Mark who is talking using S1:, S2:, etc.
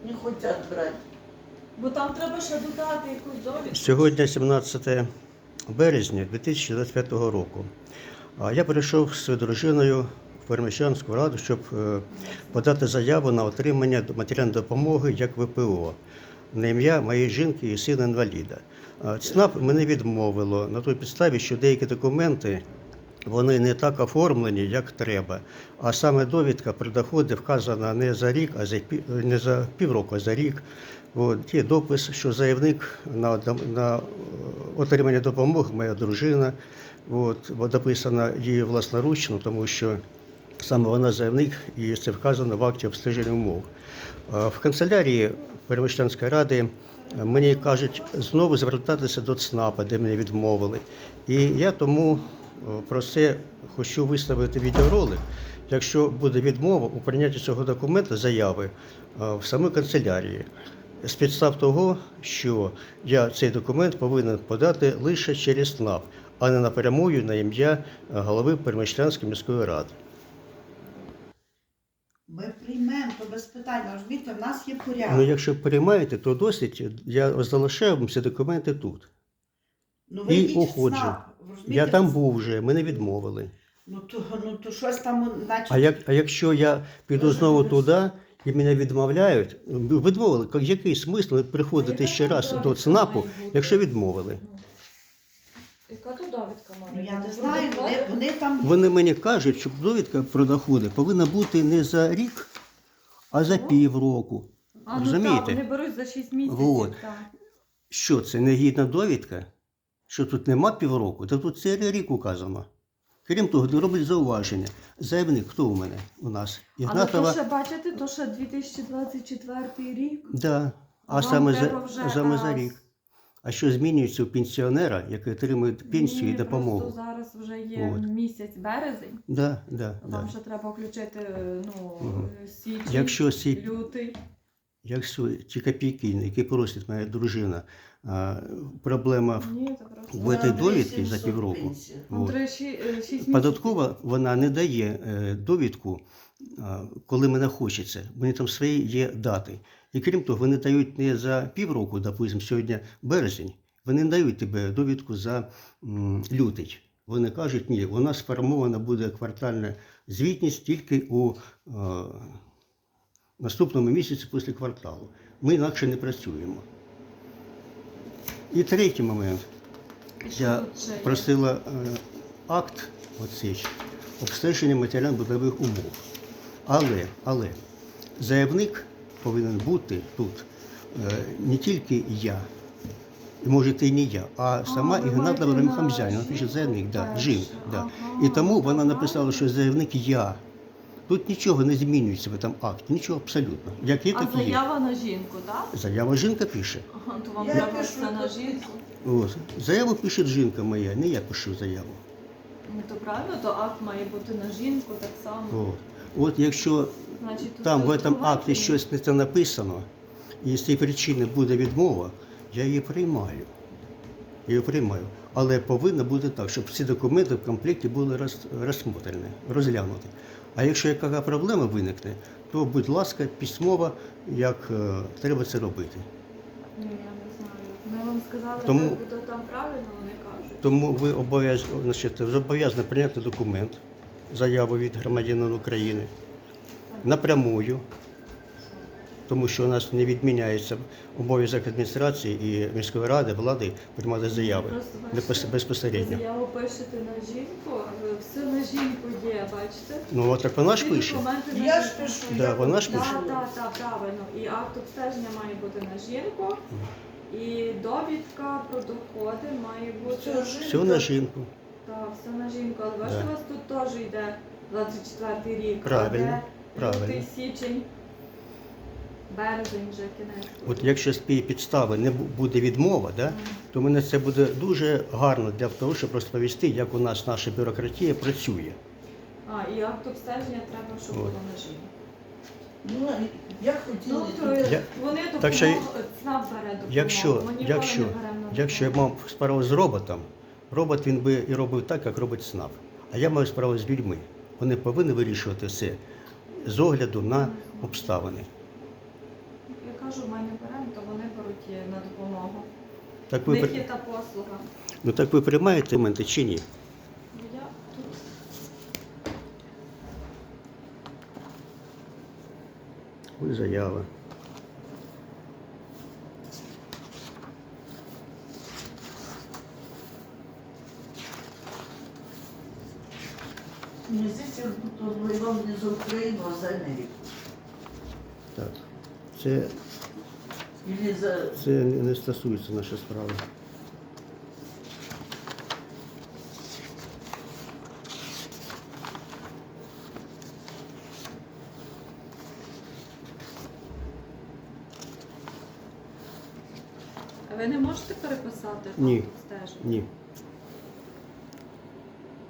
S1: не хочуть брати.
S2: Бо там треба ще додати якусь довідку.
S3: Сьогодні 17 березня 2025 року. Я прийшов з своєю дружиною в Переміщанську раду, щоб подати заяву на отримання матеріальної допомоги як ВПО на ім'я моєї жінки і сина інваліда. ЦНАП мене відмовило на той підставі, що деякі документи вони не так оформлені, як треба. А саме довідка про доходи вказана не за рік, не за півроку, а за рік. От, є допис, що заявник на отримання допомоги моя дружина, бо дописана її власноручно, тому що саме вона заявник і це вказано в акті обстеження умов. В канцелярії Переміщанської ради мені кажуть знову звертатися до ЦНАПа, де мене відмовили. І я тому про це хочу виставити відеоролик. Якщо буде відмова у прийнятті цього документу, заяви в самій канцелярії, з підстав того, що я цей документ повинен подати лише через ЦНАП, а не напрямую на ім'я голови Переміщанської міської ради.
S1: Ми приймемо, то без питань, розумієте, в нас є порядок.
S3: Ну, якщо приймаєте, то досить, я залишаю вам ці документи тут.
S1: Ну, ви
S3: І
S1: йдіть в
S3: уходжу.
S1: ЦНАП, розумієте?
S3: Я там був вже, мене відмовили.
S1: Ну то щось там, значить...
S3: А якщо я піду знову туди і мене відмовляють, відмовили, який смисл приходити ще раз до ЦНАПу, якщо відмовили?
S2: Яка то довідка
S1: Ну,
S2: має?
S1: я не знаю, вони там...
S3: Вони мені кажуть, що довідка про доходи повинна бути не за рік, а за півроку.
S2: А, ну
S3: Розумієте?
S2: так, вони беруть за 6 місяців.
S3: Вот.
S2: Так.
S3: Що це, негідна довідка? Що тут нема півроку? Та тут це рік указано. Крім того, роблять зауваження. Заявник, хто у мене у нас?
S2: Але то ще, бачите, то ще 2024 рік.
S3: Да. А
S2: Вам
S3: саме
S2: треба вже
S3: за
S2: раз.
S3: рік. А що змінюється у пенсіонера, який отримує пенсію і допомогу?
S2: Просто зараз вже є
S3: От.
S2: місяць березень.
S3: Да.
S2: Вам ще треба включити січень,
S3: Якщо
S2: лютий.
S3: Якщо ті копійки, які просить моя дружина, проблема
S2: Ні, це просто.
S3: в цій довідці за півроку.
S2: Ну,
S3: От.
S2: 6 місяців.
S3: Податкова вона не дає довідку, коли мене хочеться. Вони там свої є дати. І крім того, вони дають не за півроку, допустимо, сьогодні березень, вони не дають тебе довідку за лютий. Вони кажуть, ні, у нас сформована буде квартальна звітність тільки у наступному місяці після кварталу. Ми інакше не працюємо. І третій момент. Я просила акт оцей, обстеження матеріально-будових умов. Але заявник повинен бути тут не тільки я, і може і не я, а сама Ігнатова Ремхамзяна. Вона пише заявник, жінка. Да. І тому вона написала, що заявник я. Тут нічого не змінюється в цьому акті, нічого абсолютно. Як є,
S2: А
S3: так і є.
S2: заява на жінку, так?
S3: Заява жінка пише.
S2: Ага, то вам
S1: Я
S2: треба
S1: пишу,
S2: все на жінку.
S3: От. Заяву пише жінка моя, не я пишу заяву.
S2: Ну то правильно, то акт має бути на жінку так само.
S3: От якщо
S2: Значить, тут
S3: там в
S2: хтось
S3: цьому акті
S2: винуватий.
S3: щось не те написано, і з цієї причини буде відмова, я її приймаю. Але повинно бути так, щоб всі документи в комплекті були розглянуті. А якщо яка проблема виникне, то, будь ласка, письмово, як треба це робити.
S2: Ні, я не знаю. Ми вам сказали,
S3: Тому-
S2: то там правильно вони кажуть.
S3: Тому ви зобов'язані прийняти документ, заяву від громадянина України напрямую, тому що у нас не відміняється обов'язок адміністрації і міської ради, влади приймати заяви
S2: Просто
S3: безпосередньо.
S2: заяву пишете на жінку, все на жінку є, бачите?
S3: Ну, от так вона ж
S2: Всі
S3: пише.
S2: документи на
S1: Я ж
S2: жінку.
S1: пишу.
S3: Да, вона ж пише.
S2: Так, правильно. І акт обстеження має бути на жінку, і довідка про доходи має бути.
S3: Все на жінку.
S2: Так, все на жінку. Але бачите, у вас тут теж йде 24 рік.
S3: Правильно,
S2: а де
S3: правильно.
S2: лютий, січень, березень вже кінець.
S3: От якщо з цієї підстави не буде відмова, то мене це буде дуже гарно для того, щоб розповісти, як у нас наша бюрократія працює.
S2: І акт обстеження треба, щоб було на жінку.
S1: Ну, я хотіла...
S2: Ну, то вони
S3: Так що,
S2: ЦНАП бере допомогу.
S3: Якщо
S2: Ми ніколи не беремо на
S3: я
S2: допомогу.
S3: мав справу з роботом, робот він би і робив так, як робить ЦНАП. А я маю справу з людьми. Вони повинні вирішувати все з огляду на обставини.
S2: Яка кажу, ми не беремо, то вони беруть на допомогу.
S3: Так
S2: В
S3: ви,
S2: них є та послуга.
S3: ну, так ви приймаєте документи чи ні?
S2: Я тут
S3: Ось заява.
S4: Мне здесь как будто он воевал не за Украину, а за Америку.
S3: Так. Це,
S4: Или за...
S3: це не стосується нашої справи.
S2: А ви не можете переписати
S3: Ні.
S2: акт обстеження?
S3: Ні.